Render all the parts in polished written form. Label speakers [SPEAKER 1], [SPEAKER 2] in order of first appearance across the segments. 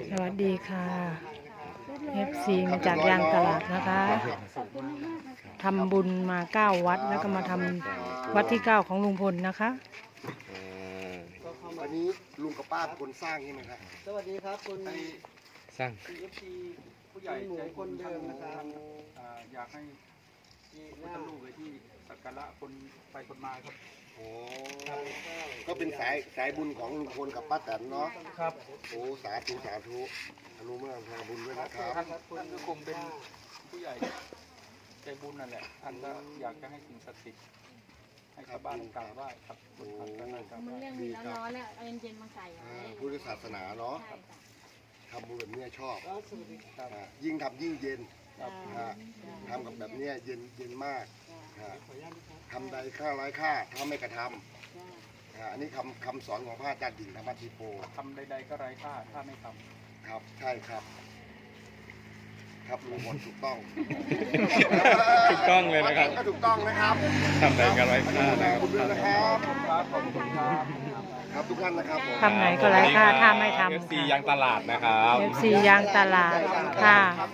[SPEAKER 1] สวัสดีค่ะ FC มาจากยางตลาดนะคะทำบุญมา9วัดแล้วก็มาทำวัดที่9ของลุงพลนะคะ
[SPEAKER 2] อันนี้ลุงกับป้าเป็นคนสร้างใช่ไหมครับ
[SPEAKER 3] สวัสดีครับคุณ
[SPEAKER 4] สร้าง
[SPEAKER 3] CFC ผู้ใหญ่ใจบุญเดิมนะครับ
[SPEAKER 5] อยากให้พุทธรูปไว้ที่สักการะคนไปคนมาครับ
[SPEAKER 2] โอ้ก็เป็นสายบุญของลุงพลกับป้าแตนเนาะ
[SPEAKER 5] ครับ
[SPEAKER 2] โอ้สาธุสาธุอนุโมทนาบุญด้วยนะครับ
[SPEAKER 5] ท่านก็คงเป็นผู้ใหญ่ใจบุญนั่นแหละท่านก็อยากจะให้สิ่งศักดิ์สิทธิ์ให้ชาวบ้านกราบไหว้ครับบนทางการกราบไห
[SPEAKER 6] มัน
[SPEAKER 5] ว้
[SPEAKER 6] เรื่องมีร้อนๆแล้วเอาเย็นๆมาใส่ไว้
[SPEAKER 2] พุทธศาสนาเนาะ
[SPEAKER 6] ใช่ค่ะ
[SPEAKER 2] ทำบุญแบบเนี้ยชอบ
[SPEAKER 3] สวัสดีครับ
[SPEAKER 2] ยิ่งทำยิ่งเย็น
[SPEAKER 5] ครับ
[SPEAKER 2] ทำกับแบบเนี้ยเย็นมากทำใดค่าร้ายค่าถ้าไม่กระทำอันนี้คำสอนของพระอาจารย์ดิ่งธรรมทิโป
[SPEAKER 5] ทำใดๆก็ไร้ค่าถ้าไม่ท
[SPEAKER 2] ครับใช่ครับ ครับลุงพลถูกต้อง
[SPEAKER 4] ถูกต้องเลยนะครับ
[SPEAKER 2] ก็ถูกต้องนะครับ
[SPEAKER 4] ทำไหนกันไว้
[SPEAKER 2] ขอบ
[SPEAKER 4] ค่า
[SPEAKER 2] คุณ
[SPEAKER 4] นะ
[SPEAKER 2] คุณด้วยนะครับ
[SPEAKER 5] ำครับขอบคุณครับ
[SPEAKER 2] ครับทุกท่านนะครับผม
[SPEAKER 1] ทำไหนก็ไร้ค่าถ้าไม่ทำ
[SPEAKER 4] FC ยางตลาดนะครับ
[SPEAKER 1] FC ยางตลาดค่ะ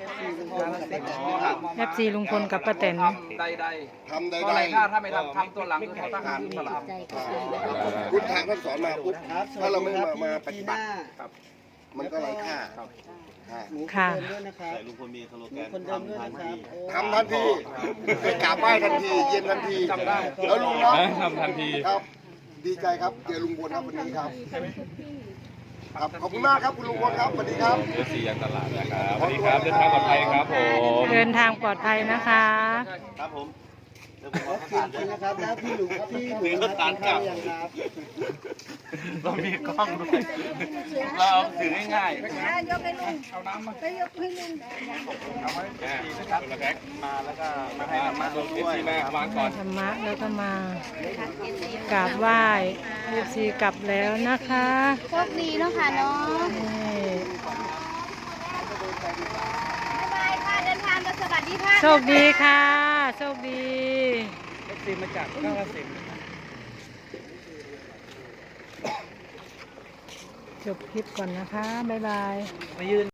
[SPEAKER 1] FC ลุงพลกับป้าแตน
[SPEAKER 5] ใด
[SPEAKER 2] ทำใด
[SPEAKER 5] ๆก็ไร้ค่าถ้าไม่ทำทำตัวหลังคือทหารตลาด
[SPEAKER 2] ๆพุทธทางท่านสอนมาปุ๊บถ้าเราไม่มาปฏิบัติ
[SPEAKER 5] ครับ
[SPEAKER 2] มันก็ไร้ค่า
[SPEAKER 1] ค่ะ
[SPEAKER 3] เดิมด้วยนะครับลุงพลมีสโลแกนคนเดิมด้วยนะครับ
[SPEAKER 2] ทำทันทีไปกราบไหว้ทันที เย็นทันที
[SPEAKER 5] จำได้
[SPEAKER 2] แล้วลุงเนาะ
[SPEAKER 4] ทำทันที
[SPEAKER 2] ครับ ดีใจครับเจอลุงพลครับวันนี้ครับ ครับขอบคุณมากครับคุณลุงพลครับสวัสดีครับ
[SPEAKER 4] FC ยางตลาดนะครับสวัสดีครับเดินทางปลอดภัยครับผม
[SPEAKER 1] เดินทางปลอดภัยนะคะ
[SPEAKER 3] ครับผมขอบคุณนะครับแล้วพี่หลุงครับพี่หลุงครับทานอย่างครับ
[SPEAKER 5] เรามีกล้องด้วยเราเอาถือง่ายๆ
[SPEAKER 6] ยกให้ลุง
[SPEAKER 5] เอาน้ำมา
[SPEAKER 6] ไปยกให้ลุง
[SPEAKER 5] เอาไว้ดีนะครับมาแล้วก็มาให้ธรรมะเราด้วย
[SPEAKER 4] FC แม่วางก่อน
[SPEAKER 1] ธรรมะแล้วก็มากราบไหว้ FC กลับแล้วนะคะ
[SPEAKER 6] โชคดีเนาะค่ะเนาะ
[SPEAKER 1] นี่
[SPEAKER 6] บ๊ายบายค่ะเดินทางโดยสวัสดีค่ะ
[SPEAKER 1] โชคดีค่ะโชคดี
[SPEAKER 5] FC มาจากกาฬสินธุ์
[SPEAKER 1] จบคลิปก่อนนะคะ บ๊ายบาย
[SPEAKER 5] มายืน